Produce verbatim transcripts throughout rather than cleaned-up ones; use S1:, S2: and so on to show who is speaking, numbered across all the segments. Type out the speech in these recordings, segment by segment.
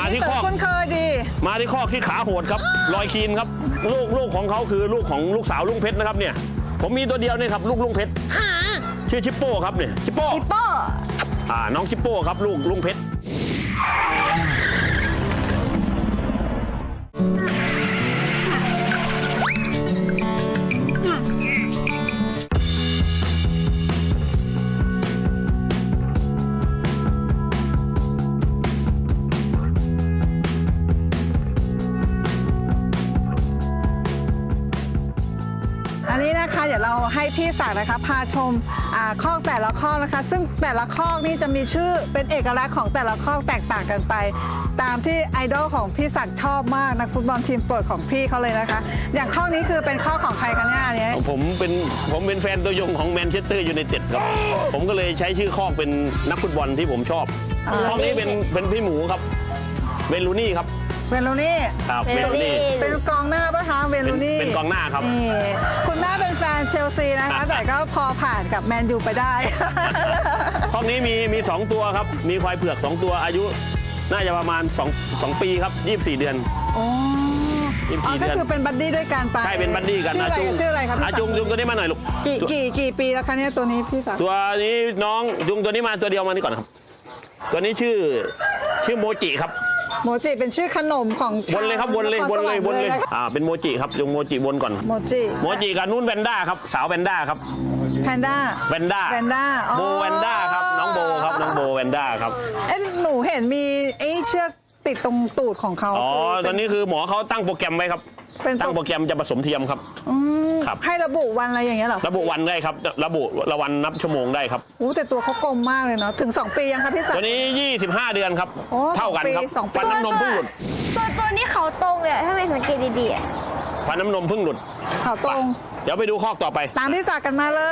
S1: ที่คอก
S2: คุ้นเคยดี
S1: มาที่คอกที่ขาโหดครับลอยคีนครับลูกลูกของเขาคือลูกของลูกสาวลุงเพชรนะครับเนี่ยผมมีตัวเดียวเนี่ยครับลูกลุงเพชรชื่อชิปโป้ครับเนี่ยชิปโป้
S3: ชิปโป้
S1: อ่าน้องชิปโป้ครับลูกลุงเพชร
S2: อันนี้นะคะเดี๋ยวเราให้พี่ศักดิ์นะคะพาชมอ่าคอกแต่ละคอกนะคะ ซึ่งแต่ละคอกนี่จะมีชื่อเป็นเอกลักษณ์ของแต่ละคอกแตกต่างกันไป ตามที่ไอดอลของพี่ศักดิ์ชอบมากนักฟุตบอลทีมโปรดของพี่เขาเลยนะคะ อย่างคอกนี้คือเป็นคอกของใครคะเนี่ยอันนี้
S1: ผมเป็นผมเป็นแฟนตัวยงของแมนเชสเตอร์ยูไนเต็ดครับผมก็เลยใช้ชื่อคอกเป็นนักฟุตบอลที่ผมชอบคอกนี้เป็นเป็นพี่หมูครับเวลูนี่ครับ
S2: เวลูนี่
S1: ครับเวลูนี่
S2: เป็นกองหน้าปะคะเวลูนี่
S1: เป็นกองหน้าครับ
S2: นี่คุณแม่เป็นแฟนเชลซีนะคะ แต่ก็พอผ่านกับแมนยูไปได้
S1: คอกนี้มีมีสองตัวครับมีควายเผือกสองตัวอายุน่าจะประมาณ2 2ปีครับยี่สิบสี่เดือน
S2: อ๋อ
S1: ยี่สิบ
S2: อ๋อ
S1: สี่
S2: ก็
S1: เดือน
S2: คือเป็นบัดดี้ด้วยกันไป
S1: ใช่เป็นบัดดี้กัน
S2: ชื่ออะไร
S1: จุง
S2: ชื่ออะไรครับพี่
S1: อา
S2: ศักดิ์
S1: จุงจุงตัวนี้มาหน่อยลูก
S2: กี่กี่กี่ปีแล้วคะเนี่ยตัวนี้พี่ศักดิ์
S1: ตัวนี้น้องจุงตัวนี้มาตัวเดียวมานี่ก่อนครับ ตัวนี้ชื่อชื่อโมจิครับ
S2: โมจิเป็นชื่อขนมของ
S1: วนเลยครับวนเลยวนเลยวนเลยอ่าเป็นโมจิครับจุงโมจิวนก่อน
S2: โมจิ
S1: โมจิกับนุ่นแวนด้าครับสาวแวนด้าครับ
S2: แพนด้า
S1: แวนด้า
S2: แวนด้า
S1: โบแวนด้าครับน้องโบครับน้องโบแวนด้าครับ
S2: เอ๊ะหนูเห็นมีไอ้เชือกติดตรงตูดของเขา
S1: อ๋อ
S2: คื
S1: ตอนนี้คือหมอเขาตั้งโปรแกรมไว้ครับ
S2: เป็น
S1: ตั้งโปรแกรมจะผสมเทียมครับ
S2: อืม
S1: ครับ
S2: ให้ระบุวันอะไรอย่างเงี้ยเหรอ
S1: ระบุวันได้ครับระบุระวันนับชั่วโมงได้ครับ
S2: อู้แต่ตัวเขากลมมากเลยเนาะถึงสองปียังคะพี่ศัก
S1: ตัว
S2: ดิ์
S1: นี้ยี่สิบห้าเดือนครับ
S2: โอ้
S1: เท่ากันครับ
S2: สองปีสองปี
S1: ฟันน้ำนมเพิ่งหลุด
S3: ตัวตัวนี้เขาตรงเลยอะถ้าไม่สังเกตดีๆอะ
S1: ฟันน้ำนมเพิ่งหลุด
S2: เขาตรง
S1: เดี๋ยวไปดูคอกต่อไป
S2: ตามพี่ศักดิ์กันมาเลย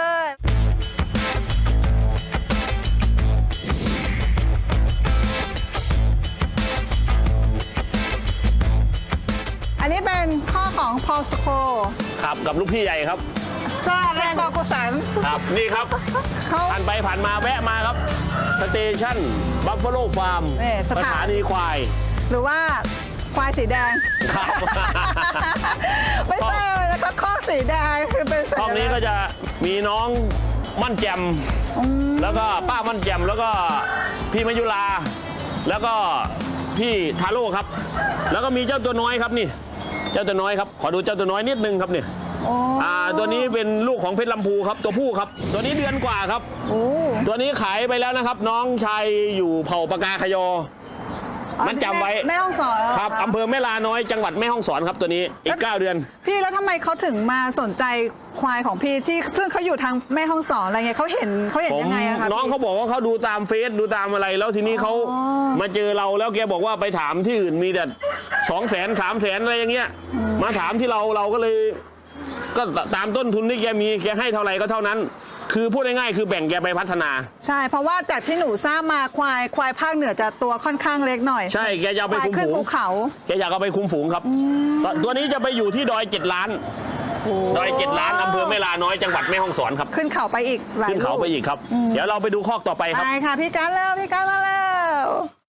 S2: อันนี้เป็นข้อของพอลสโค
S1: ครับกับลูกพี่ใหญ่ครับ
S2: ก็และฟอกุสัน
S1: ครับนี่ครับ
S2: เขา
S1: ผ่านไปผ่านมาแวะมาครับสเตชันบัฟฟาโลฟาร์ม
S2: นี่ส
S1: ส
S2: ถาน
S1: ถานีควาย
S2: หรือว่าควายสีแดง
S1: ครับ
S2: ไม่ใช่เลยนะคะข้อสีแดงคือเป็นสัญ
S1: ห้อง
S2: ลั
S1: นี้
S2: กษ
S1: ก็
S2: ณ์
S1: จะมีน้องมั่นแจมแล้วก็ป้ามั่นแจมแล้วก็พี่มายุราแล้วก็พี่ทาโร่ครับ แล้วก็มีเจ้าตัวน้อยครับนี่ เจ้าตัวน้อยครับขอดูเจ้าตัวน้อยนิดนึงครับเนี่ย
S2: โอ้
S1: อ่าตัวนี้เป็นลูกของเพชรลำพูครับตัวผู้ครับ ตัวนี้เดือนกว่าครับ
S2: โอ้
S1: ตัวนี้ขายไปแล้วนะครับ น้องชายอยู่เผ่าปากาขยอ มันจำไว้
S2: แม่ห้องสอนเหอ
S1: ครับ
S2: ะ
S1: อำเภอแม่ลาน้อยจังหวัดแม่ฮ่องสอนครับตัวนี้อีกเก้าเดือน
S2: พี่แล้วทำไมเขาถึงมาสนใจควายของพี่ที่ซึ่งเขาอยู่ทางแม่ห้องสอนอะไรเงี้ยเขาเห็นเขาเห็น
S1: ผม
S2: ยังไงอะคะ
S1: น้อง
S2: พี่
S1: เขาบอกว่าเขาดูตามเฟซดูตามอะไร แล้วทีนี้เขา
S2: อ๋อ
S1: มาเจอเราแล้วแกบอกว่าไปถามที่อื่นมีแต่สองแสนสามแสนอะไรอย่างเงี้ยมาถามที่เราเราก็เลย ก็ตามต้นทุนที่แกมีแกให้เท่าไหร่ก็เท่านั้น คือพูดง่ายๆคือแบ่งแกไปพัฒนา
S2: ใช่เพราะว่าจากที่หนูทราบมาควายควายภาคเหนือจะตัวค่อนข้างเล็กหน่อย
S1: ใช่แกจะเอาไป
S2: ควาย
S1: คุม
S2: ขึ้น
S1: ฝูง
S2: ภูเขา
S1: แกอยากเอาไปคุมฝูงครับตตัวนี้จะไปอยู่ที่ดอยเจ็ดล้านดอยเจ็ดล้านอำเภอแม่ลาน้อยจังหวัดแม่ฮ่องสอนครับ
S2: ขึ้นเขาไปอีกหลาย
S1: ขึ้นเขา
S2: ลูก
S1: ไปอีกครับ เดี๋ยวเราไปดูคอกต่อไปครับ
S2: ไปค่ะพี่การแล้วพี่การมาแล้ว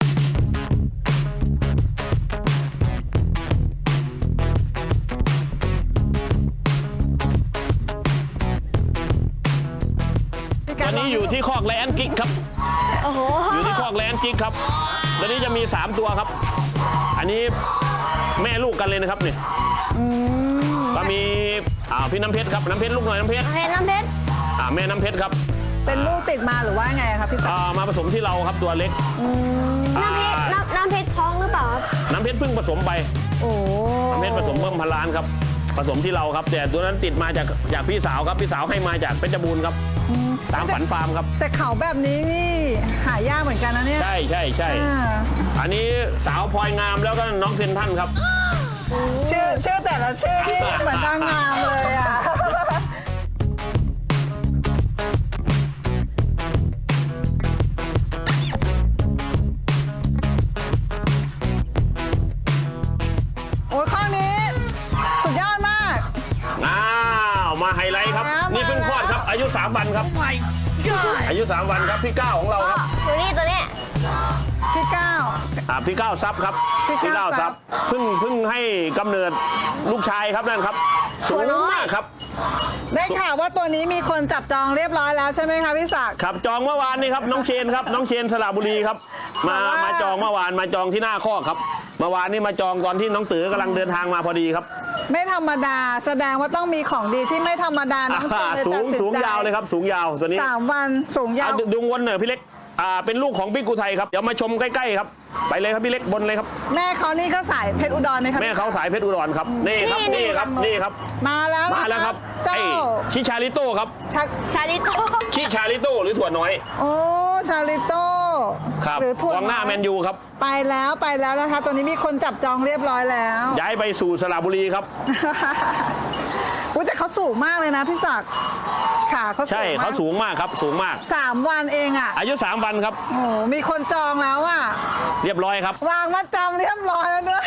S2: พี่
S1: ต
S2: การ
S1: อนนี้อยู่ที่คอกแลนด์กิ๊กครับ
S3: โอ้โห
S1: อยู่ที่คอกแลนด์กิ๊กครับตอนนี้จะมีสามตัวครับ อันนี้แม่ลูกกันเลยนะครับเนี่ยก็มีอ่าพี่น้ำเพชรครับน้ำเพชรลูกหน่อยน้ำเพชร
S3: น้ำเพชรน้ำเพชร
S1: อ่าแม่น้ำเพชรครับ
S2: เป็นลูกติดมาหรือว่าไงอะครับพี่ศักดิ์
S1: อ่ามาผสมที่เราครับตัวเล็ก
S3: น้ำเพชร
S1: อ่า
S3: น้ำน้ำเพชรท้องหรือเปล่าครับ
S1: น้ำเพชรเพิ่งผสมไป
S2: โอ้
S1: น้ำเพชรผสมเพิ่มพันล้านครับผสมที่เราครับ แต่ตัวนั้นติดมาจากจากพี่สาวครับพี่สาวให้มาจากเพชรบูรณ์ครับตามฝันฟาร์มครับ
S2: แต่เขาแบบนี้นี่หายากเหมือนกันนะเนี่ย
S1: ใช่ใช่ใช่
S2: อ่า
S1: อันนี้สาวพลอยงามแล้วก็น้องเซนท่านครับ
S2: ชื่อชื่อแต่ละชื่อที่เหมือนนางงามเลยอ่ะ โอ้ยข้อนี้ สุดยอดมาก
S1: อ้าวมาไฮไลท์ครับ
S2: มานี่
S1: นี่เพิ่งคลอดครับ อายุสามวันครับ อายุสามวันครับพี่ก้าวของเราครับ
S3: อยู่นี่ตัวนี้
S2: พี่ก้าว
S1: อ่าพี่ก้าวทรัพย์ครับ
S2: พี่ก้าวทรัพย์
S1: เพิ่งเพิ่งให้กำเนิดลูกชายครับนั่นครับสูงมากครับ
S2: ได้ข่าวว่าตัวนี้มีคนจับจองเรียบร้อยแล้วใช่ไหมคะพี่ศักดิ์
S1: ครับจองเมื่อวานนี้ครับน้องเชนครับน้องเชนสระบุรีครับ มา
S2: แต่ว่า
S1: มาจองเมื่อวานมาจองที่หน้าคอกครับเมื่อวานนี้มาจองตอนที่น้องตือกำลังเดินทางมาพอดีครับ
S2: ไม่ธรรมดาแสดงว่าต้องมีของดีที่ไม่ธรรมดาน้องเจนเลย
S1: สู
S2: ตั
S1: ง
S2: ดสิน
S1: สูง
S2: ใจ
S1: ยาวเลยครับสูงยาวตัวนี้
S2: สามวันสูงยาว
S1: เอาดูวนหน่อยพี่เล็กอ่าเป็นลูกของบิ๊กอุทัยครับเดี๋ยวมาชมใกล้ๆครับไปเลยครับพี่เล็กบนเลยครับ
S2: แม่เขานี่ก็สายเพชรอุดรไหมครับ
S1: แม่เขาสายเพชรอุดรครับนี่ครับ
S3: นี่
S1: นี่ครับนี่ครับ
S2: มาแล้วนะ
S1: มาแล้วครับ
S2: เจ้า
S1: ไอ้ชิชาลิโต้ครับ
S2: ชัก
S3: ชาลิโต้
S1: ชิชาลิโต้หรือถั่วน้อย
S2: โอ้ชาลิโต้
S1: ครับ
S2: หรือถั่ว
S1: กองหน้าแมนยูครับ
S2: ไปแล้วไปแล้วนะคะ ตัวนี้มีคนจับจองเรียบร้อยแล้ว
S1: ย้ายไปสู่สระบุรีครับ
S2: อุ้ยแต่เขาสูงมากเลยนะพี่ศักดิ์ขาเขาสู
S1: ใช่
S2: งมาก
S1: เขาสูงมากครับสูงมาก
S2: สามวันเองอ่ะ
S1: อายุสามวันครับ
S2: โอ้โหมีคนจองแล้วอ่ะ
S1: เรียบร้อยครับ
S2: วางมัดจำเรียบร้อยแล้วด้วย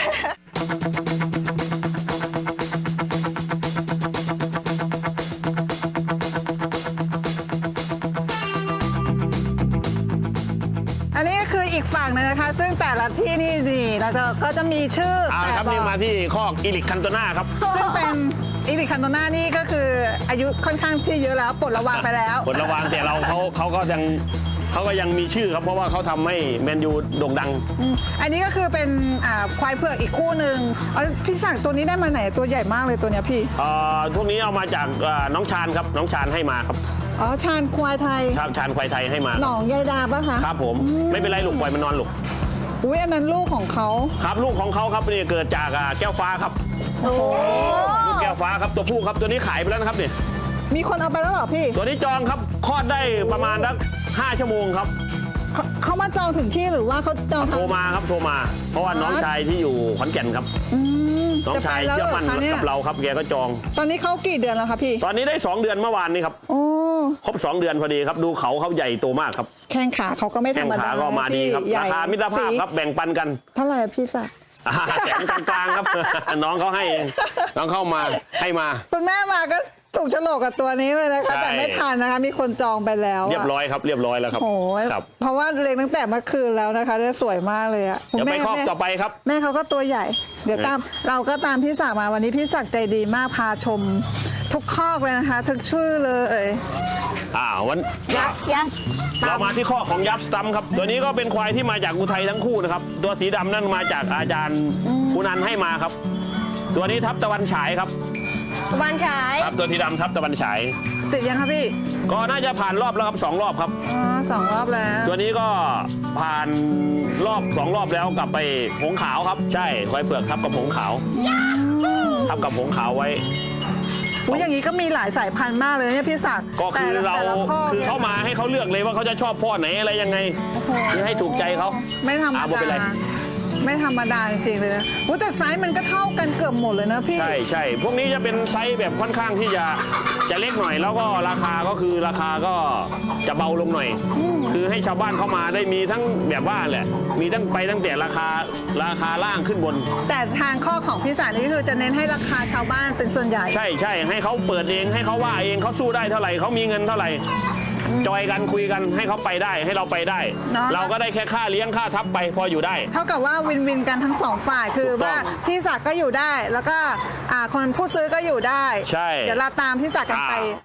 S2: อันนี้ก็คืออีกฝั่งหนึงนะคะ ซึ่งแต่ละที่นี่นี่เราจะก็จะมีชื่อ
S1: เอา
S2: แต่
S1: ละครับ
S2: บ
S1: นี่
S2: อก
S1: มาที่คอกอิลิกคันโตนาครับ
S2: ซึ่งเป็นอีริคันโตนานี่ก็คืออายุค่อนข้างที่เยอะแล้วปลดระวางไปแล้ว
S1: ผลระวังแต่เราเขาเขาก็ยังเขาก็ยังมีชื่อครับเพราะว่าเขาทำให้แมนยูโด่งดัง
S2: อืมอันนี้ก็คือเป็นอ่าควายเผือกอีกคู่หนึ่งเอาพี่สั่งตัวนี้ได้มาไหนตัวใหญ่มากเลยตัวเนี้ยพี่
S1: เอ่อพวกนี้เอามาจากเอ่อน้องชานครับน้องชานให้มาครับ
S2: อ๋อชาญควายไทย
S1: ครับชานควายไทยให้มา
S2: หนองยายดาปะคะ
S1: ครับผมไม่เป็นไรลูกปล่อยมันนอนลูก
S2: อุ้ยอันนั้นลูกของเขา
S1: ครับลูกของเขาครับนี่เกิดจากอ่าแก้วฟ้าครับ
S2: โอ้โห
S1: ลูกแก้วฟ้าครับตัวผู้ครับตัวนี้ขายไปแล้วนะครับเนี่ย
S2: มีคนเอาไปแล้วเหรอพี่
S1: ตัวนี้จองครับคลอดได้ประมาณสักห้าชั่วโมงครับ
S2: เขาเขามาจองถึงที่หรือว่าเขาจองทาง
S1: โทรมาครับโทรมา เพราะว่าน้องชายที่อยู่ขอนแก่นครับ
S2: อืม
S1: น้อง
S2: จะไป
S1: ชาย
S2: แล้ว
S1: เชื่อ
S2: เหร
S1: มั่
S2: อน คะเนี่ย
S1: กับเราครับแกก็จอง
S2: ตอนนี้เขากี่เดือนแล้วคะพี่
S1: ตอนนี้ได้สองเดือนเมื่อวานนี้ครับ
S2: โอ้
S1: ครบสองเดือนพอดีครับดูเขาเขาใหญ่โตมากครับ
S2: แข้งขาเขาก็ไม่ธ
S1: แข้
S2: รง รมดา
S1: ขาก็มาดีครับ
S2: พี่ใหญ่
S1: ราคามิตรภาพครับแบ่งปันกัน
S2: เท่าไหร่อะพี่สัก
S1: อ่าแสนกลางๆครับ น้องเขาให้เองน้องเข้ามาให้มา
S2: คุณแม่มาก็ถูกโฉลกกับตัวนี้เลยนะคะ
S1: ใช่
S2: แต่ไม่ทันนะคะ มีคนจองไปแล้วะ
S1: เรียบร้อยครับเรียบร้อยแล้วครับ
S2: โอ้ย
S1: ครับ
S2: เพราะว่าเลี้ยงตั้งแต่เมื่อคืนแล้วนะคะได้สวยมากเลยอะ
S1: เดี๋ยวไป
S2: แม่
S1: ครอบ
S2: แม่
S1: ต่อไปครับ
S2: แม่เขาก็ตัวใหญ่ เดี๋ยวตามเราก็ตามพี่ศักดิ์มาวันนี้พี่ศักดิ์ใจดีมากพาชม ทุกคอกเลยนะคะทุกชื่อเลย
S1: อ่าวัน
S3: ยัสยัส
S1: เรามาที่ข้อของยับสตัมครับตัวนี้ก็เป็นควายที่มาจากอุทัยทั้งคู่นะครับตัวสีดำนั่นมาจากอาจารย์คุณนันให้มาครับ ตัวนี้ทับตะวันฉายครับ
S3: บ้านฉาย
S1: ครับตัวสีดำทับตะวันฉาย
S2: ติดยังคะพี่
S1: ก็น่าจะผ่านรอบแล้วครับสองรอบครับ
S2: อ๋อสองรอบแล้ว
S1: ตัวนี้ก็ผ่านรอบสองรอบแล้วกลับไปผงขาวครับ ใช่ควายเปลือกทับกับผงขาวทับกับผงขาวไว้
S2: อุ้ยอย่างนี้ก็มีหลายสายพันธุ์มากเลยเนี่ยพี่ศักดิ์
S1: ก็คือ
S2: แต่ละ
S1: เรา
S2: แต่ละข้
S1: คือ
S2: นี่ย
S1: เขามาให้เขาเลือกเลยว่าเขาจะชอบพ่อไหนอะไรยังไง
S2: โอ้โห
S1: คือให้ถูกใจเขา
S2: ไม่ธรรม
S1: อ่าบ่เป็นไร
S2: ดาไม่ธรรมดาจริงๆเลยนะอุ้ยแต่ไซส์มันก็เท่ากันเกือบหมดเลยนะพี่
S1: ใช่ใช่พวกนี้จะเป็นไซส์แบบค่อนข้างที่จะจะเล็กหน่อย แล้วก็ราคาก็คือราคาก็จะเบาลงหน่อย คือให้ชาวบ้านเข้ามาได้มีทั้งแบบว่าแหละ มีตั้งไปตั้งแต่ราคาราคาล่างขึ้นบน
S2: แต่ทางข้อของพี่สารนี่คือจะเน้นให้ราคาชาวบ้านเป็นส่วนใหญ่
S1: ใช่ใช่ให้เขาเปิดเองให้เขาว่าเองเขาสู้ได้เท่าไหร่เขามีเงินเท่าไหร่จอยกันคุยกันให้เขาไปได้ให้เราไปได้
S2: เนอะ
S1: เราก็ได้แค่ค่าเลี้ยงค่าทับไปพออยู่ได้
S2: เท่ากับว่าวินวินกันทั้งสองฝ่ายคือ
S1: ถูกต้อง
S2: ว่าพี่ศักดิ์ก็อยู่ได้ แล้วก็อ่าคนผู้ซื้อก็อยู่ได้
S1: ใช่
S2: เดี๋ยวเราตามพี่ศักดิ์กันไป
S1: อ่า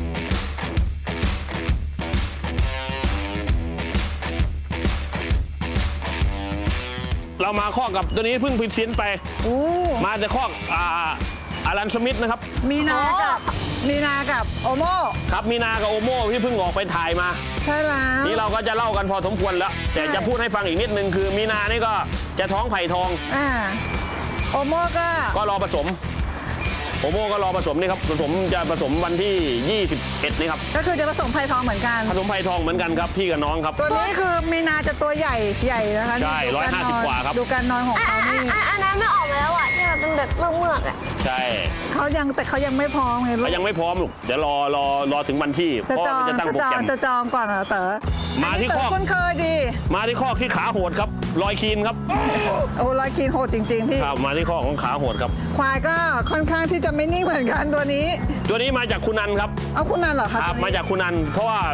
S1: เรามาข้อกับตัวนี้เพิ่งพิมพ์สินไป
S2: โอ้
S1: มาแต่ข้ออ่าอารันสมิธนะครับ
S2: มีนากับมีนากับโอโม
S1: ครับมีนากับโอโม่ที่เพิ่งออกไปถ่ายมา
S2: ใช่แล้ว
S1: นี่เราก็จะเล่ากันพอสมควรแล้ว แต่
S2: ใช่
S1: จะพูดให้ฟังอีกนิดนึงคือมีนานี่ก็จะท้องไผ่ทอง
S2: อ่าโอโมก็
S1: ก็รอผสมโอโม่ก็รอผสมนี่ครับผสมจะผสมวันที่ยี่สิบเอ็ดนี่ครับ
S2: ก็คือจะผสมไผ่ทองเหมือนกัน
S1: ผสมไผ่ทองเหมือนกันครับพี่กับน้องครับ
S2: ตัวนี้คือมีนาจะตัวใหญ่ใหญ่นะคะ
S1: ใช่
S2: ดู
S1: ร้อยห้าสิบ
S2: นน
S1: กว่าครับ
S2: ดูการนอนของ
S3: อ่ะ
S2: เขา
S3: อ่ะ
S2: นี่
S3: อ่ะอันนั้นไม่ออกมาแล้วอ่ะที่แบบเป็นแบบเมือกๆอ่ะ
S1: ใช่
S2: เขายังแต่เขายังไม่พร้อมไงลู
S1: เขา
S2: ก
S1: ยังไม่พร้อมลูกเดี๋ยวรอรอรอถึงวันที่
S2: จะ
S1: พ่อ
S2: จอง
S1: จะตั้ง
S2: จะ
S1: โปร
S2: จอ
S1: แก
S2: ง
S1: รม
S2: จะจองก่อนเหรอเต๋อ
S1: มาที่
S2: นนี้
S1: ข้อ
S2: เต๋อคุ้นเคยดี
S1: มาที่ข้อที่ขาโหดครับรอยคีนครับ
S2: โอ้รอยคีนโหดจริง ๆ พี่
S1: ครับมาที่ข้อของขาโหดครับ
S2: ควายก็ค่อนข้างที่จะไม่นิ่งเหมือนกันตัวนี้
S1: ตัวนี้มาจากคุณนันครับ
S2: เอาคุณนันเหรอคะ
S1: ครับ
S2: ตัวนี้
S1: มาจากคุณนันเพราะว่า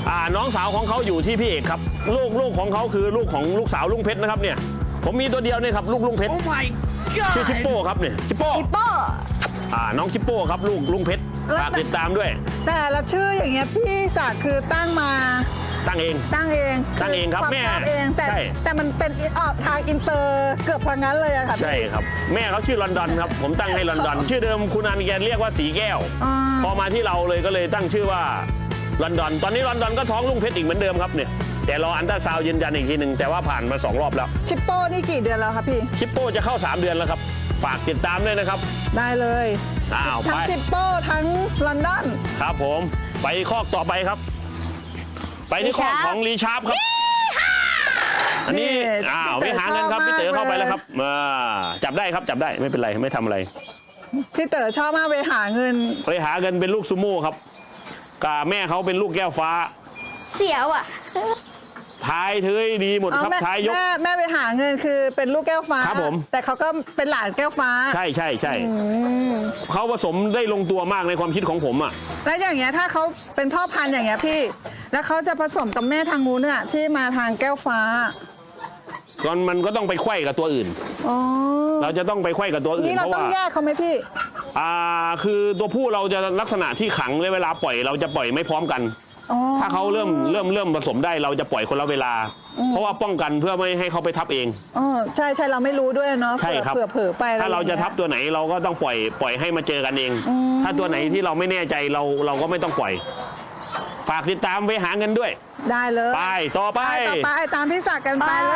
S1: อ่าน้องสาวของเขาอยู่ที่พี่เอกครับลูกลูกของเขาคือลูกของลูกสาวลุงเพชรนะครับเนี่ยผมมีตัวเดียวเนี่ยครับลูกลุงเพชร
S4: Oh my
S1: ชื่อ
S4: god
S1: ชิปโป้ครับเนี่ยชิปโป้
S3: ชิปโป้
S1: อ่าน้องชิปโป้ครับลูกลุงเพชรฝากติดตามด้วย
S2: แต่ละชื่ออย่างเงี้ยพี่ศักดิ์คือตั้งมา
S1: ตั้งเอง
S2: ตั้งเอง
S1: ตั้งเองครับ
S2: วา
S1: แม่
S2: ชอบเองแต่
S1: ใช่
S2: แต่มันเป็นออกทางอินเตอร์เกือบทางนั้นเลยอะค่ะพี่
S1: ใช่ครับแม่เขาชื่อลอนดอนครับผมตั้งให้ลอนดอน ชื่อเดิมคุณอานิแกนเรียกว่าสีแก้ว
S2: อ่า
S1: พอมาที่เราเลยก็เลยตั้งชื่อว่าลอนดอน ตอนนี้ลอนดอนก็ท้องลุงเพชรอีกเหมือนเดิมครับเนี่ยแต่รออันตราซาวด์ยืนยันอีกทีหนึ่งแต่ว่าผ่านมาสองรอบแล้ว
S2: ชิปโป้นี่กี่เดือนแล้วครับพี่
S1: ชิปโป้จะเข้าสามเดือนแล้วครับฝากติดตามด้วยนะครับ
S2: ได้เลย
S1: อ้าว
S2: ทั้
S1: ไป
S2: งชิปโป้ทั้งลอนดอน
S1: ครับผมไปคอกต่อไปครับ ไปที่คอกของลีชาร์ปครับ อันนี้อ้าวไปหาเงินครับพี่เต๋อเข้าไปแล้วครับมาจับได้ครับจับได้ไม่เป็นไรไม่ทำอะไร
S2: พี่เต๋อชอบมากไปหาเงิน
S1: ไปหาเงินเป็นลูกซูโม่ครับกาแม่เขาเป็นลูกแก้วฟ้า
S3: เสียวอ่ะ
S1: ท้ายเทยดีหมดครับ
S2: แม่
S1: ท้ายยก
S2: แม่แม่ไปหาเงินคือเป็นลูกแก้วฟ้า
S1: ครับผม
S2: แต่เขาก็เป็นหลานแก้วฟ้า
S1: ใช่ใช่ใช่เขาผสมได้ลงตัวมากในความคิดของผมอ่ะ
S2: แล้วอย่างเงี้ยถ้าเขาเป็นพ่อพันธุ์อย่างเงี้ยพี่ แล้วเขาจะผสมกับแม่ทางงูเนี่ยที่มาทางแก้วฟ้า
S1: ตอนมันก็ต้องไปไขว้กับตัวอื่น
S2: อ๋อ
S1: เราจะต้องไปไขว้กับตัวอื่น
S2: นี่เรา
S1: เพราะ
S2: ต้อง
S1: ว่า
S2: แยกเขาไหมพี่
S1: อ่าคือตัวผู้เราจะลักษณะที่ขังเลยเวลาปล่อยเราจะปล่อยไม่พร้อมกัน
S2: อ๋อ
S1: ถ้าเขาเริ่มเริ่มเริ่มผสมได้เราจะปล่อยคนละเวลา เพราะว่าป้องกันเพื่อไม่ให้เขาไปทับเอง
S2: อ๋อใช่ใช่เราไม่รู้ด้วยเนาะ
S1: ใช่ครับ
S2: เผื่อเผื่อไปอไ
S1: ถ้าเราจะทับ
S2: อย่งงี้ย
S1: ตัวไหนเราก็ต้องปล่อยปล่อยให้มาเจอกันเอง
S2: อืม
S1: ถ้าตัวไหนที่เราไม่แน่ใจเราเราก็ไม่ต้องปล่อย ฝากติดตามไปหาเงินด้วย
S2: ได้เลย
S1: ไปต่อไป
S2: ไปต่อไปตามพี่ศักดิ์กันไปเลย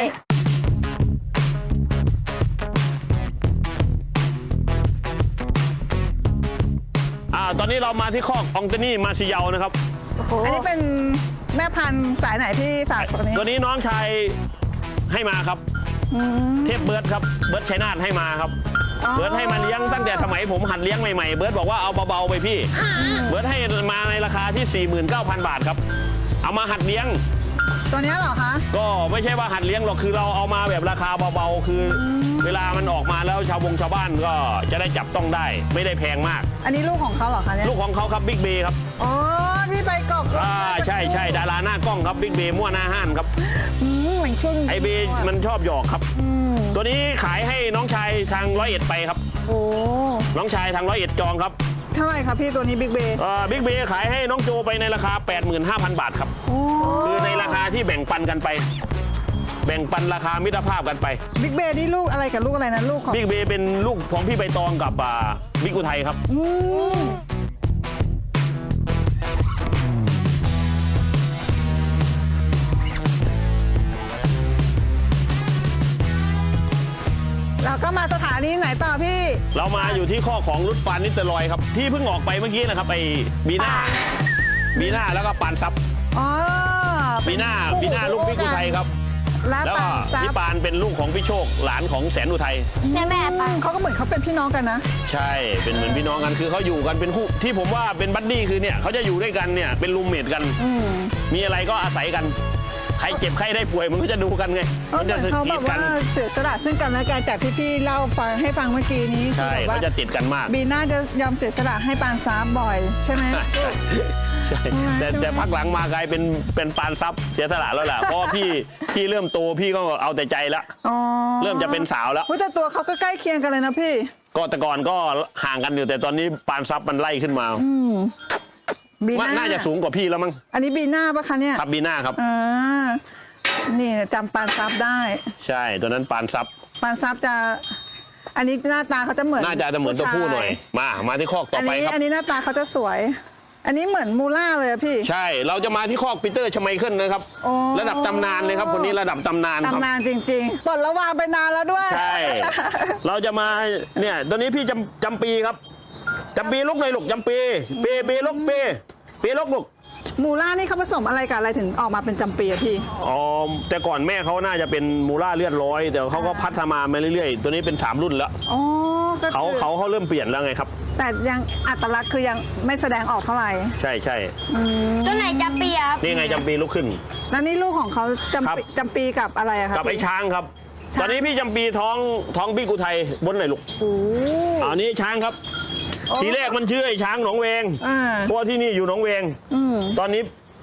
S1: อ่าตอนนี้เรามาที่คอกองเตนี่มาซิเยานะครับ
S2: อันนี้เป็นแม่พันธุ์สายไหนพี่ศักดิ์ตัวนี้
S1: ตัวนี้น้องชายให้มาครับ
S2: อืม
S1: เทพเบิร์ดครับเบิร์ดชัยนาทให้มาครับ
S2: อ๋อ
S1: เบิร์ดให้มาเลี้ยงตั้งแต่สมัยผมหัดเลี้ยงใหม่ๆเบิร์ดบอกว่าเอาเบาๆไปพี่เบิร์ดให้มาในราคาที่ สี่หมื่นเก้าพัน บาทครับเอามาหัดเลี้ยง
S2: ตัวเนี้ยเหรอคะ
S1: ก็ไม่ใช่ว่าหัดเลี้ยงหรอกคือเราเอามาแบบราคาเบาๆคืออเวลามันออกมาแล้วชาวบงชาวบ้านก็จะได้จับต้องได้ ไม่ได้แพงมาก
S2: อันนี้ลูกของเขาเหรอคะเนี่ย
S1: ลูกของเขาครับบิ๊กเบย์ครับ
S2: อ๋อที่ไปกบ
S1: อ่าใช่ใช่ดาราหน้ากล้องครับบิ๊กเบย์มั่วหน้าห้านครับ
S2: อืมเหมือนครึ่ง
S1: ไอเบย์มันชอบหยอกครับ
S2: อืม
S1: ตัวนี้ขายให้น้องชายทางร้อยเอ็ดไปครับ
S2: โอ้
S1: น้องชายทางร้อยเอ็ดจองครับ
S2: เท่าไหร่ครับพี่ตัวนี้บิ๊กเบย์
S1: บิ๊กเบย์ขายให้น้องโจไปในราคา แปดหมื่นห้าพัน บาทครับ
S2: โอ้
S1: คือในราคาที่แบ่งปันกันไป แบ่งปันราคามิตรภาพกันไป
S2: บิ๊กเบย์นี่ลูกอะไรกับลูกอะไรนะลูกของ
S1: บิ๊กเบย์เป็นลูกของพี่ใบตองกับอ่าบิ๊กอุทัยครับ
S2: อืมเราก็มาสถานีไหนต่อพี่
S1: เรามาอยู่ที่ข้อของรุดปานนิตรอยครับ ที่เพิ่งออกไปเมื่อกี้นะครับไอ้บีน่าบีน่าแล้วก็ปานซับ
S2: อ๋อ
S1: บีน่าบีน่าลูกบิ๊กอุทัยครับ
S2: แล้ว
S1: แล้ว
S2: ปา
S1: ก็
S2: นซั
S1: พี่
S2: บ
S1: ปานเป็นลูกของพี่โชคหลานของแสนอุทัย
S3: ใช่แม่ปะ
S2: เขาก็เหมือนเขาเป็นพี่น้องกันนะ
S1: ใช่เป็นเหมือนพี่น้องกันคือเขาอยู่กันเป็นคู่ที่ผมว่าเป็นบัดดี้คือเนี่ยเขาจะอยู่ด้วยกันเนี่ยเป็นรูมเมทกัน
S2: อืม
S1: มีอะไรก็อาศัยกัน ใครเจ็บใครได้ป่วยมันก็จะดูกันไง
S2: เออ
S1: มัน
S2: เหมื
S1: จะ
S2: อน
S1: ส
S2: เขา
S1: กี
S2: แบ
S1: ด
S2: บ
S1: กั
S2: ว่าน เสียสละซึ่งกันและกันจากที่พี่เล่าฟังให้ฟังเมื่อกี้นี้คือ
S1: ใช่
S2: แบบ
S1: เขา
S2: ว่า
S1: จะติดกันมาก
S2: บีน่าจะยอมเสียสละให้ปานซาบบ่อย ใช่ไหม
S1: ใช่ใช่แต่แต่พักหลังมากลายเป็นเป็นปานซับเสียสละแล้วแหละเพราะว่าพี่พี่เริ่มโตพี่ก็เอาแต่ใจละ
S2: อ๋อ
S1: เริ่มจะเป็นสาวแล้ว
S2: อุ๊ยแต่ตัวเขาก็ใกล้เคียงกันเลยนะพี่
S1: ก็แต่ก่อนก็ห่างกันอยู่แต่ตอนนี้ปานซับมันไล่ขึ้นมา
S2: บี
S1: ว่า
S2: น่า
S1: น่าจะสูงกว่าพี่แล้วมั้ง
S2: อันนี้บีน่าปะคะเนี่ย
S1: ครับบีน่าครับ
S2: อ่านี่จำปานซับได้
S1: ใช่ตัวนั้นปานซับ
S2: ปานซับจะ อันนี้หน้าตาเขาจะเหมือน
S1: น่าจะจะเหมือนตัวผู้หน่อย มามาที่คอกต่
S2: อั
S1: อน ไป
S2: นี้
S1: ครับ
S2: อันนี้หน้าตาเขาจะสวย อันนี้เหมือนมูล่าเลยอะพี่
S1: ใช่เราจะมาที่คอกปีเตอร์ชไมเคิลนะครับ
S2: โอ้
S1: ระดับตำนานเลยครับคนนี้ระดับตำนานครับ
S2: ตำนานจริงๆปลดระวางไปนานแล้วด้วย
S1: ใช่ เราจะมาเนี่ยตัวนี้พี่จำจำปีครับจำปีลุกหน่อยลูกจำปีเปเปลุกเปเปลุกลูก
S2: มูล่านี่เขาผสมอะไรกับอะไรถึงออกมาเป็นจำปีอะพี่
S1: อ๋อแต่ก่อนแม่เขาน่าจะเป็นมูล่าเลือดร้อย แต่เขาก็พัฒนามาเรื่อยๆ ตัวนี้เป็นสามรุ่นแล้ว
S2: อ๋อก็
S1: เขา
S2: คือ
S1: เขาเขาเริ่มเปลี่ยนแล้วไงครับ
S2: แต่ยังอัตลักษณ์คือยังไม่แสดงออกเท่าไหร่
S1: ใช่ใช่
S3: ตัวไหนจะเปียบ
S1: นี่ไงจำปีลุกขึ้น
S2: แล้วนี่ลูกของเขา
S1: ครับ
S2: จำปีจำปีกับอะไรอะครับ
S1: กับไอ้ช้างครับ
S2: ช้าง
S1: ตอนนี้พี่จำปีท้องท้องพี่กุไทยบนไหนอยลูก
S2: โอ้
S1: อันนี้ช้างครับ
S2: โอ้
S1: ทีแรกมันชื่อไอ้ช้างหนองเวง
S2: อ่า
S1: เพราะว่าที่นี่อยู่หนองเวง
S2: อืม
S1: ตอนนี้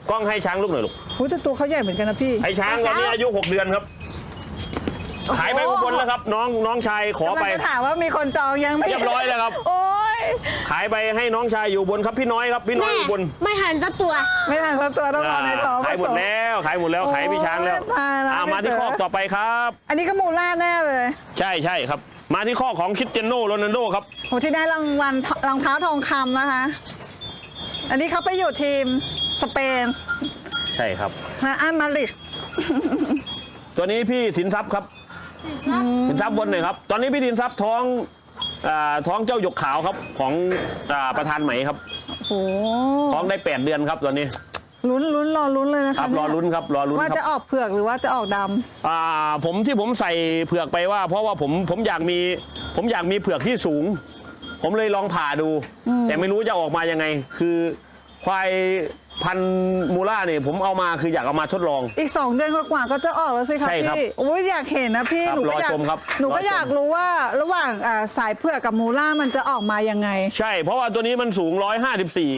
S1: กล้องให้ช้างลูกหน่อยลูก
S2: โอ้แต่ตัวเขาใหญ่เหมือนกันนะพี่
S1: ไอ้ช้างตอนนี้อายุหกเดือนครับ ขายไปอุบลแล้วครับ น้องน้องชายขอไป
S2: กำลังจะถามว่ามีคนจองยังไม่
S1: เรียบร้อยแล้วครับ
S2: โอ้ย
S1: ขายไปให้น้องชายอยู่อุบนครับพี่น้อยครับพี่น้อย
S3: แม่
S1: อุบล
S3: ไม่ทันสักตัว
S2: ไม่ทันสักตัวต้องรอในท้อง
S1: ขายหมดแล้วขายหมดแล้วขายให้พี่ช้างแล้ว
S2: โอ้ยตายแล้ว
S1: อ่ามาที่
S2: พี่
S1: ข้
S2: เต๋
S1: อ
S2: อ
S1: ต่อไปครับ
S2: อันนี้ก็มูล่าแน่เลย
S1: ใช่ใช่ครับ มาที่ข้อของคริสเตียโนโรนัลโดครับ
S2: โหที่ได้รางวัลรองเท้าทองคำนะคะ อันนี้เขาไปอยู่ทีมสเปน
S1: ใช่ครับ
S2: นะอันมาดริด
S1: ตัวนี้พี่สินทรัพย์ครับสินทรัพย์บนหน่อยครับ ตอนนี้พี่สินทรัพย์ท้องอ่าท้องเจ้าหยกขาวครับของอ่าประธานไหมครับ
S2: โอ้
S1: ท้องได้แปดเดือนครับตอนนี้
S2: ลุ้นลุ้นรอลุ้นเลยนะ
S1: ครั
S2: คะ
S1: บรอลุ้นครับรอลุ้น
S2: ว่า
S1: ค
S2: จะ
S1: รับ
S2: ออกเผือกหรือว่าจะออกด
S1: อ่าผมที่ผมใส่เผือกไปว่า เพราะว่าผมผมอยากมีผมอยากมีเผือกที่สูง ผมเลยลองผ่าดู แต่ไม่รู้จะออกมายังไง คือควายพันธุ์มูล่าเนี่ยผมเอามาคืออยากเอามาทดลอง
S2: ำอีกสองเดือนกว่าๆก็จะออกแล้วสิคะ
S1: ใช่ครับ
S2: พี่โอ้ยอยากเห็นนะพี่
S1: ครับ
S2: หนูก็อยาก
S1: รอชมครับ
S2: หนูก็
S1: รอชม
S2: อยากรู้ว่าระหว่างอ่าสายเผือกกับมูล่ามันจะออกมายังไง
S1: ใช่ เพราะว่าตัวนี้มันสูงร้อยห้าสิบสี่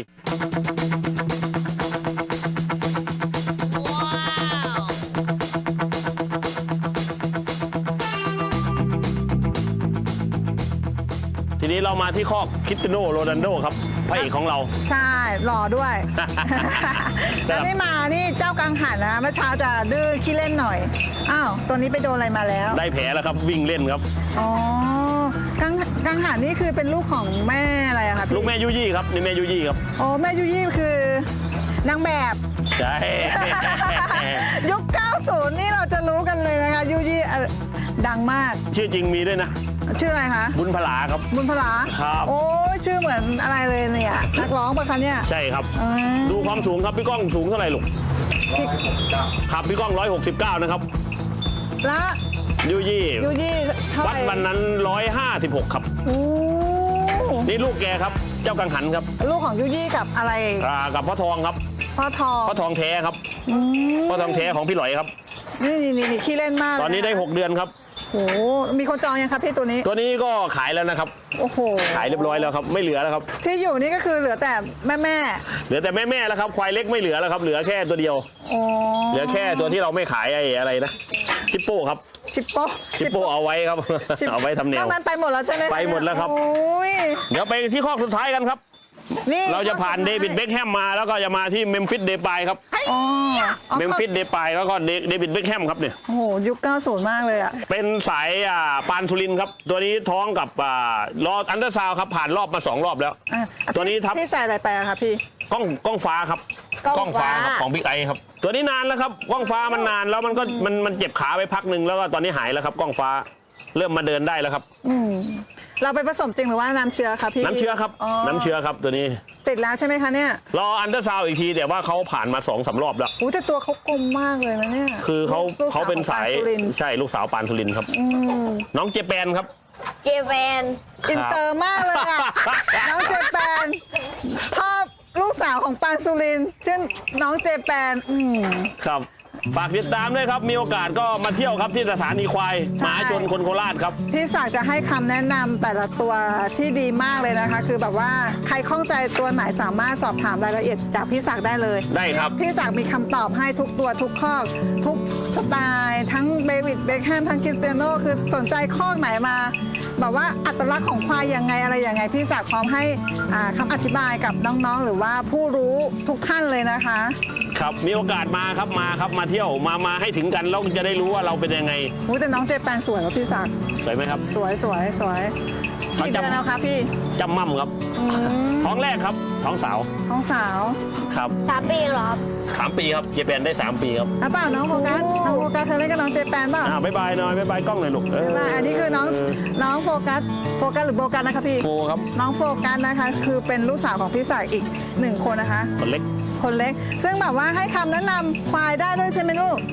S1: ทีนี้เรามาที่ข้อคริสเตียโนโรนัลโดครับพระเอกของเรา
S2: ใช่หล่อด้วย
S1: ครับ
S2: แล้วนี่มานี่เจ้ากังหันนะเมื่อเช้าจะดื้อขี้เล่นหน่อยอ้าวตัวนี้ไปโดนอะไรมาแล้ว
S1: ได้แผลแล้วครับวิ่งเล่นครับ
S2: อ๋อกังกังหันนี่คือเป็นลูกของแม่อะไรอะคะพี่
S1: ลูกแม่ยุยี่ครับนี่แม่ยุยี่ครับ
S2: โอ้แม่ยุยี่คือนางแบบ
S1: ใช่
S2: ยุค เก้าสิบ นี่เราจะรู้กันเลยนะคะยุยี่เอ่อดังมาก
S1: ชื่อจริงมีด้วยนะ
S2: ชื่ออะไรคะ
S1: บุญพลาครับ
S2: บุญพลา
S1: ครับ
S2: โอ้ยชื่อเหมือนอะไรเลยเนี่ยนักร้องปะคะเนี่ย
S1: ใช่ครับ
S2: อืม
S1: ดูความสูงครับพี่ก้องสูงเท่าไหร่ลูก
S2: พี่
S1: ครับพี่ก้องร้อยหกสิบเก้านะครับ
S2: และ
S1: ยุยี่
S2: ยุยี่เท่าไห
S1: วัด
S2: ร่
S1: วันนั้นร้อยห้าสิบหกครับ
S2: โอ้
S1: นี่ลูกแกครับ เจ้ากังหันครับ
S2: ลูกของยุยี่กับอะไร
S1: อ่ากับพ่อทองครับ
S2: พ่อทอง
S1: พ่อทองแท้ครับ
S2: อืม
S1: พ่อทองแท้ของพี่หลอยครับ
S2: นี่นี่นี่นี่ขี้เล่นมาก
S1: ตอนนี้ได้
S2: เลยะ
S1: หกเดือนครับ
S2: โอ้โหมีคนจองยังครับพี่ตัวนี้
S1: ตัวนี้ก็ขายแล้วนะครับ
S2: โอ้โห
S1: ขายเรียบร้อยแล้วครับ ไม่เหลือแล้วครับ
S2: ที่อยู่นี่ก็คือเหลือแต่แม่แม่
S1: เหลือแต่แม่ๆแล้วครับ ควายเล็กไม่เหลือแล้วครับ เหลือแค่ตัวเดียว
S2: ๆอ๋อ
S1: เหลือแค่ตัวที่เราไม่ขายไอ้อะไรนะ ชิปโป้ครับ
S2: ชิปโป้
S1: ชิปโป้เอาไว้ครับ
S2: ชิป
S1: เอาไว้ทำแน
S2: น
S1: ว
S2: อกนั้นไปหมดแล้วใช่ไหมคะ
S1: ไปหมดแล้วครับ
S2: โอ้ย
S1: เดี๋ยวไปที่ข้อสุดท้ายกันครับ
S2: นี่
S1: เราจะผ่านเดวิดเบคแฮมมาแล้วก็จะมาที่เมมฟิสเดปายครับ
S2: อ๋ออ๋อ
S1: เมมฟิสเดปายแล้วก็เดวิดเบคแฮมครับเนี่ย
S2: โอ้โหยุคเก้าสิบมากเลยอ่ะ
S1: เป็นสายอ่าปานทุลินครับ ตัวนี้ท้องกับอ่ารออันเดอร์ซาวด์ครับ ผ่านรอบมาสองรอบแล้ว
S2: อ่ะ
S1: ตัวนี้ทับ
S2: พี่ใส่อะไรไปอะคะพี่
S1: กล้องกล้องฟ้าครับ
S3: กล้องฟ้า
S1: ครับของบิ๊กไอครับ ตัวนี้นานแล้วครับกล้องฟ้ามันนานแล้วมันก็มันมันเจ็บขาไปพักหนึ่งแล้วก็ตอนนี้หายแล้วครับกล้องฟ้าเริ่มมาเดินได้แล้วครับ
S2: อืมเราไปผสมจริงหรือว่าน้ำเชื้อคะพี่
S1: น้ำเชื้อครับน้ำเชื้อครับตัวนี้
S2: ติดแล้วใช่ไหมคะเนี่ย
S1: รออันเดอร์ซาวด์อีกทีแต่ว่าเขาผ่านมาสองสามรอบแล้ว
S2: โอ้แต่ตัวเขากลมมากเลยนะเนี่ย
S1: คือเขา
S2: ลูก
S1: เขาเป็นสาย
S2: ของปสุรินทร์
S1: ใช่ลูกสาวปานทุลินครับ
S2: อืม
S1: น้องเจแปนครับ
S3: เจแปน
S2: อินเตอร์มากเลยอ่ะ น้องเจแปนพ่อลูกสาวของปานสุรินทร์ชื่อน้องเจแปนอืม
S1: ครับฝากติดตามด้วยครับ มีโอกาสก็มาเที่ยวครับที่สถานีควาย
S2: ใช่
S1: มหาชนคนโคราชครับ
S2: พี่ศักดิ์จะให้คำแนะนำแต่ละตัวที่ดีมากเลยนะคะ คือแบบว่าใครข้องใจตัวไหนสามารถสอบถามรายละเอียดจากพี่ศักดิ์ได้เลย
S1: ได้ครับ
S2: พี่ศักดิ์มีคำตอบให้ทุกตัวทุกข้อทุกสไตล์ ทั้งเดวิดเบคแฮมทั้งคริสเตียโนคือสนใจข้อไหนมาแบบว่าอัตลักษณ์ของควายยังไงอะไรยังไง พี่ศักดิ์พร้อมให้อ่าคำอธิบายกับน้องๆ หรือว่าผู้รู้ทุกท่านเลยนะคะ
S1: ครับมีโอกาสมาครับมาครับมาเที่ยวมามาให้ถึงกันแล้วจะได้รู้ว่าเราเป็นยังไง
S2: อู้แต่น้องเจแปนสวยกว่าพี่ศักดิ์
S1: สวยไหมครับ
S2: สวยสวยสวย
S1: เขา
S2: กี่
S1: จำ
S2: เดือนแล้วคะพี่
S1: จำมั่มครับ
S2: อืม
S1: ท้องแรกครับท้องสาว
S2: น้องสาว
S1: ครับ
S3: สามปีเหรอครับ
S1: สามปีครับเจแปนได้สามปีครับ
S2: อ่ะเปล่าน้องโฟกัส
S3: โอ้
S2: น้องโฟกัสเธอเล่นกับน้องเจแปนเปล่า
S1: อ่าบ๊ายบายหน่อยบ๊ายบายกล้องหน่อยลูกเ
S2: บ๊ายบายอันนี้คือน้องน้องโฟกัสโฟกัสหรือโบกัสนะคะพี่
S1: โฟครับ
S2: น้องโฟกัสนะคะ คือเป็นลูกสาวของพี่ศักดิ์อีกหนึ่งคนนะคะ
S1: คนเล็ก
S2: คนเล็ก ซึ่งแบบว่าให้คำแนะนำควายได้ด้วยใช่ไหมลูก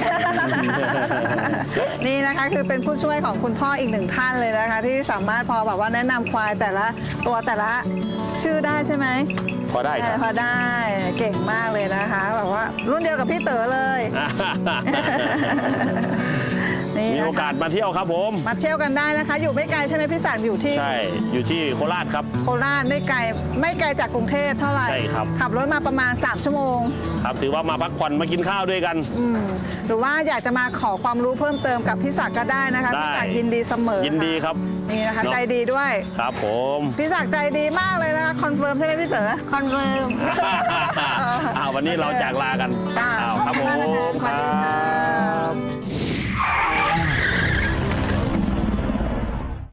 S2: นี่นะคะคือเป็นผู้ช่วยของคุณพ่ออีกหนึ่งท่านเลยนะคะ ที่สามารถพอแบบว่าแนะนำควายแต่ละตัวแต่ละชื่อได้ใช่ไหม
S1: พอได้ครับ
S2: พอได้เก่งมากเลยนะคะแบบว่ารุ่นเดียวกับพี่เต๋อเลยนี่
S1: มี
S2: นะ
S1: โอกา
S2: คะ
S1: สมาเที่ยวครับผม
S2: มาเที่ยวกันได้นะคะ อยู่ไม่ไกลใช่ไหมพี่ศักดิ์อยู่ที่
S1: ใช่อยู่ที่โคราชครับ
S2: โคราชไม่ไกลไม่ไกลจากกรุงเทพเท่าไหร่
S1: ใช่ครับ
S2: ขับรถมาประมาณสามชั่วโมง
S1: ครับถือว่ามาพักผ่อนมากินข้าวด้วยกัน
S2: อืมหรือว่าอยากจะมาขอความรู้เพิ่มเติมกับพี่ศักดิ์ก็ได้นะคะ
S1: ได้
S2: พี่ศักดิ์ยินดีเสมอ
S1: ยินดีครับ
S2: นี่นะคะ
S1: เนอะ
S2: ใจดีด้วย
S1: ครับผม
S2: พี่ศักดิ์ใจดีมากเลยนะคะคอนเฟิร์มใช่ไหมพี่เต๋อ
S3: คอนเฟิร์ม
S1: อ้าววันนี้เราจากลากัน
S2: จ้า
S1: อ้าวครับผม
S2: ขอบคุณมากนะคะสวัสดีค่ะ